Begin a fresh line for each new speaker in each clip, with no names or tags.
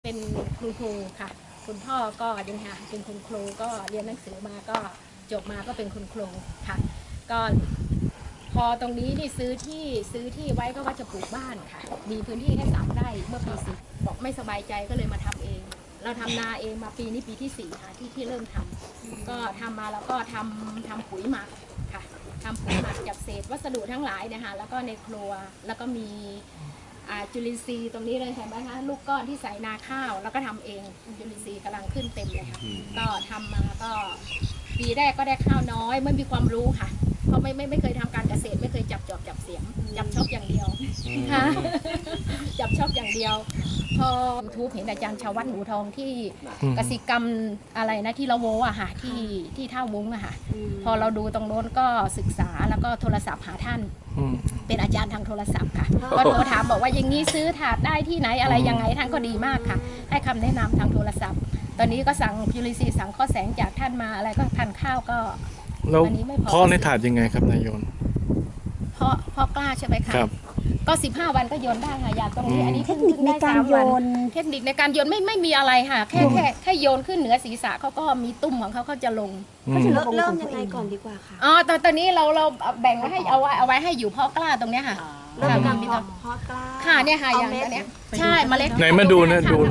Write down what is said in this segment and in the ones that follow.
เป็นคุณครูค่ะคุณพ่อก็ยังหาเป็นคุณครูก็เรียนหนังสือมาก็จบมาก็เป็นคุณครูค่ะก็พอตรงนี้นี่ซื้อที่ไว้ก็ว่าจะปลูกบ้านค่ะมีพื้นที่แค่3 ไร่เมื่อปี10บอกไม่สบายใจก็เลยมาทำเองเราทำนาเองมาปีนี้ปีที่4ค่ะที่เริ่มทำก็ทำมาแล้วก็ทำปุ๋ยหมักค่ะทำปุ๋ยหมักจากเศษวัสดุทั้งหลายนะคะแล้วก็ในครัวแล้วก็มีจุลินทรีย์ตรงนี้เลยเห็นไหมคะลูกก้อนที่ใส่นาข้าวแล้วก็ทำเองจุลินทรีย์กำลังขึ้นเต็มเลยค่ะก็ทำมาก็ปีแรกก็ได้ข้าวน้อยไม่มีความรู้ค่ะเพราะไม่เคยทำการเกษตรไม่เคยจับจอบจับเสียมจับชอบอย่างเดียวค่ะจับชอบอย่างเดียวพอ YouTube เห็นอาจารย์ชาววัดหนูทองที่กสิกรรมอะไรนะที่ละโวอะค่ะที่ท่าวุ้งอะค่ะพอเราดูตรงโน้นก็ศึกษาแล้วก็โทรศัพท์หาท่านเป็นอาจารย์ทางโทรศัพท์ค่ะก็โทรถามบอกว่าอย่างนี้ซื้อถาดได้ที่ไหนอะไรยังไงท่านก็ดีมากค่ะให้คำแนะนำทางโทรศัพท์ ตอนนี้ก็สั่งจุลินทรีย์สั่งข้อแสงจากท่านมาอะไรก็ทานข้าวก็
แล้วเพาะในถาดยังไงครับนายโยน
เพาะกล้าใช่ไหมคะ
ครับ
ก็15 วันก็โยนได้ค่ะยาตรงนี้อันนี้
เทคนิคในการโยน
เทคนิคในการโยนไม่มีอะไรค่ะแค่โยนขึ้นเหนือศีรษะเขาก็มีตุ้มของเขาจะลง
เริ่มยังไงก่อนดีกว่าค่ะ
อ๋อตอนนี้เราแบ่งไว้ให้เอาไว้ให้อยู่เพาะกล้าตรงเนี้ยค่ะ
เริ่มการเพาะกล้า
ค่ะเนี่ยค่ะอย่างเนี้ยใช่เมล็ด
ไหนมาดูนะดู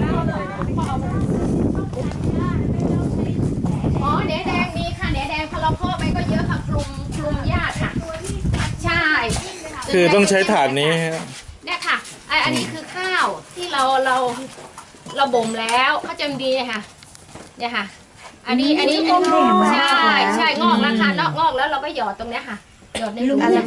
อ๋อเนแดงมีค่ะเนแดงพอเราเพาะไปก็เยอะค่ะคลุมหญ้าค่ะใช่
คือต้องใช้ถาดนี้
เนี่ยค่ะอันนี้คือข้าวที่เราบ่มแล้วเขาจะดีค่ะเนี่ยค่ะอันนี้ใช่งอกแล้วค่ะงอกแล้วเราก็หยอดตรงเนี้ยค่ะหยอดในหลุมหนึ่ง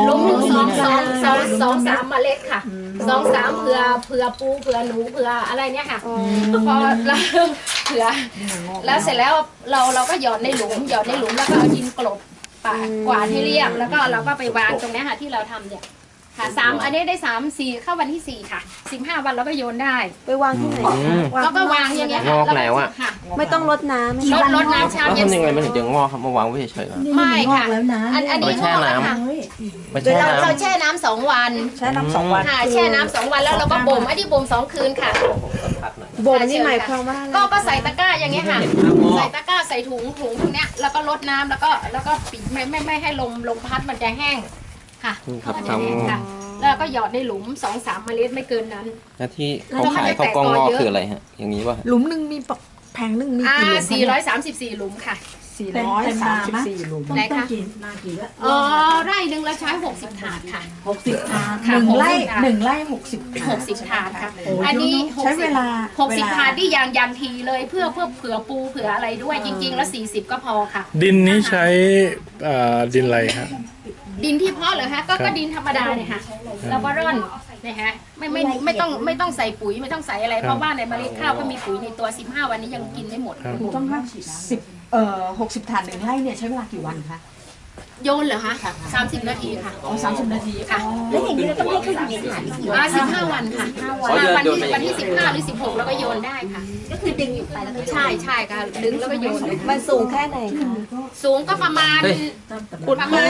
2-3 เมล็ดค่ะ2-3เผื่อปูเผื่อหนูเผื่ออะไรเนี่ยค่ะพอเราเผื่อแล้วเสร็จแล้วเราก็หยอดในหลุมแล้วก็เอาดินกลบกวาดให้เรียบแล้วก็เราก็ไปวางตรงนี้ค่ะที่เราทำเนี่ยค่ะอันนี้ได้3-4เข้าวันที่4ค่ะ15 วันเราก็โยนได้
ไปวางที่ไหน
แล้วก็วางอย่างเงี้ย
งอกแล้วอ่ะ
ไม่ต้องรดน้ำ
รดน้ำเช้าเย็น
ทำยังไงมันถึงจะงอกครับมาวางไว้เฉยๆ
ไม่ค่ะอันนี้
แช่น้ำ
เราแช่น้ำ2 วัน
แช่น้ำ2 วัน
ค่ะแช่น้ำ2 วันแล้วเราก็บ่มอันนี้บ่ม2 คืนค่ะ
บ่มนี่หมายความว่า
ก็ใส่ตะกร้าอย่างเงี้ยค่ะใส่ตะกร้าใส่ถุงพวกเนี้ยแล้วก็รดน้ำแล้วก็ปิดไม่ให้ลมพัดมันจะแห้งค่ะแล้วก็หยอดในหลุม2-3 เมล็ดไม่เกินนั้น
แล้วที่เขาขายข้าวกล้องงอกคืออะไรฮะอย่างนี้ป่ะ
หลุมหนึ่งมีแผงหนึ่งมีกี่หลุม
434 หลุมค่ะ
434 หลุม
ไหนคะไร่หนึ่งเราใช้60 ถาดค่ะ
60 ถาด1 ไร่
60 ถาดค่ะอันนี้
ใช้เวลา
60 ถาดที่อย่างทีเลยเพื่อเผื่อปูเผื่ออะไรด้วยจริงๆแล้ว40 ก็พอค่ะ
ดินนี้ใช้ดินอะไรครับ
ดินที่เพาะเหรอคะก็ดินธรรมดาเนี่ยค่ะเราก็ร่อนนะฮะไม่ต้องใส่ปุ๋ยไม่ต้องใส่อะไรเพราะว่าในเมล็ดข้าวก็มีปุ๋ยในตัว15 วันนี้ยังกินไม่หมด
ต้อง60 ถาด1 ไร่เนี่ยใช้เวลากี่วันคะ
โยนเหรอคะ30 นาทีค่ะ
30 นาที
ค่ะ
แล้วอย่างนี้เราต้องให้เขาอยู่ในถาด
15 วันค่ะวันที่15 หรือ 16แล้วก็โยนได้ค่ะ
ก็คือดึงอยู่ไปแล้วก็
ใช่ค่ะดึงแล้วก็โยน
มันสูงแค่ไหนคะ
สูงก็ประมาณประมาณ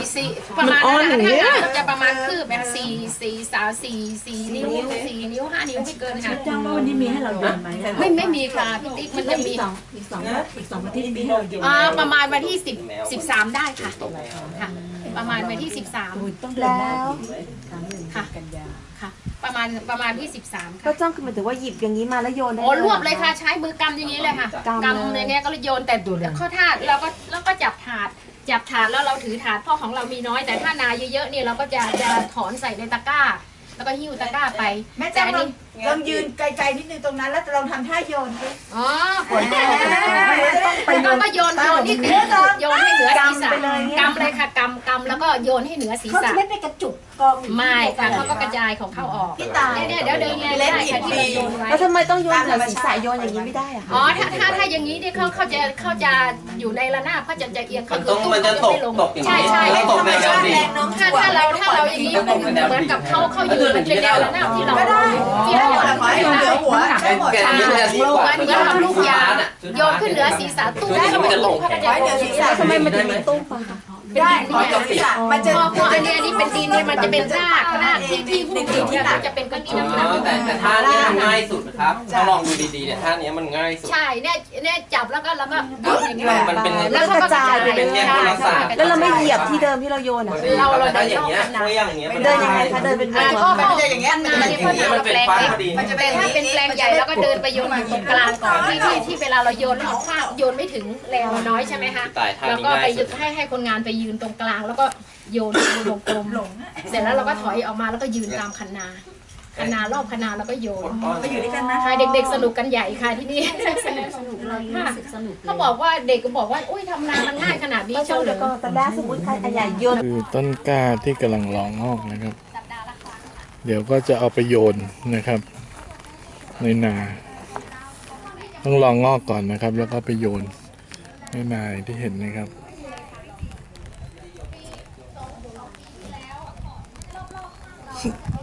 จะประมาณคืบแบบ4 นิ้ว 4 นิ้ว 5 นิ้วไม่เกินค่ะ
จ้างว่าวันนี้มีให้เราโยนไหม
ไม่มีค่ะพี่ติ๊กมันจะมี
อีก2 อาทิตย์มีให้เราโยน
ประมาณวันที่13ได้ค่ะประมาณวันที่13
ต้องเดือนหน้า
ค่ะประมาณที่13ค่ะ
ก็จ้องคือหมายถึงว่าหยิบอย่างนี้มาแล้วโยนได้
รวบเลยค่ะใช้มือกำอย่างนี้เลยค่ะกำในนี้ก็โยนแต่ข้อถาดเราก็จับถาดแล้วเราถือถาดเพราะของเรามีน้อยแต่ถ้านาเยอะๆเนี่ยเราก็จะถอนใส่ในตะกร้าแล้วก็หิ้วตะกร้าไป
แม่แจ้งลองยืนไกลๆนิดนึงตรงนั้นแล้วเราทำท่าโยนดิ
อ๋อก็โยนที่โยนให้เหนือศีรษะกำเลยค่ะกำแล้วก็โยนให้เหนือศีรษะ
ไม่ไปกระจุกกอง
ไม่ค่ะเขาก็กระจายของเข้าออกเนี่ยเดี๋ยวเดินเลยได้ค่ะที่เราโยนไว้
แล้วทำไมต้องโยนเหนือศีรษะโยนอย่างนี้ไม่ได้อะ
อ๋อถ้าอย่างนี้เนี่ยเขาจะอยู่ในระนาบเขาจะเอียงเขา
มันจะตก
ใช่
ตกในแนวดิ่ง
ถ้าเราอย่างนี้เหมือนกับเขาอยู่เป็นแนวระนาบที่เรา
เหนือหัวใช่หมด
มันก็ทำลูกยาโยนขึ้นเหนือศีรษะตุ้มแล้วก็ตก
ทำไมมันถึงมีตุ้มปะคะ
ได้ขอจบที่มันจะ
พออันนี้เป็นดินเนี่ยมันจะเป็นรากที่หุ้มดินเนี่ยมันจะเป็นก้อนหิน
แต่ท่านี้มันง่ายสุดนะครับถ้าลองดูดีๆเนี่ยท่านี้มันง่ายสุด
ใช่เนี่ยจับแล้วก็โยนอย่างนี้
มันเป็น
แล้วก็กระจายไป
เป็นแยกคนละศาสตร์
แล้วเราไม่เหยียบที่เดิมที่เราโยนอ่ะ
เราถ้าอย่างเงี้ยไม่อย่างเงี้ย
เดินยังไงคะเดินเป็นวง
ก็
มันจะอย่างเงี้ยมันจะ
อันนี้
อย่าง
ก็
เงี้ย
ทำแปลงเล็กแต่ถ้าเป็นแปลงใหญ่แล้วก็เดินไปโยนอยู่ตรงกลางก่อนที่เวลาเราโยนแล้วเอาข้าวโยนไม่ถึงแรงเราน้อยใช่ไหมคะ
ตายท่า
แล้ว
นี้
ก็ไป
ง่ายสุด
ให้คนงานไปยืนตรงกลางแล้วก็โยนวงกลมเสร็จแล้วเราก็ถอยออกมาแล้วก็ยืนตามคันนารอบคันนาแล้วก็โยน
ไปอยู่ด้วยกันนะ
ค่ะเด็กๆสนุกกันใหญ่ค่ะที่นี่สนุกเลยเขาบอกว่าเด็กก็บอกว่าอุ้ยทำนามันง่ายขนาดนี้
ก็
เชียว
เดี๋ยว
เหร
ก็
อ
แต่ได้สมมติใครใหญ่โยน
คือต้นกล้าที่กำลังรองงอกนะครับ เดี๋ยวก็จะเอาไปโยนนะครับ ในนาต้องรองงอกก่อนนะครับ แล้วก็ไปโยนในนาอย่างที่เห็นนะครับ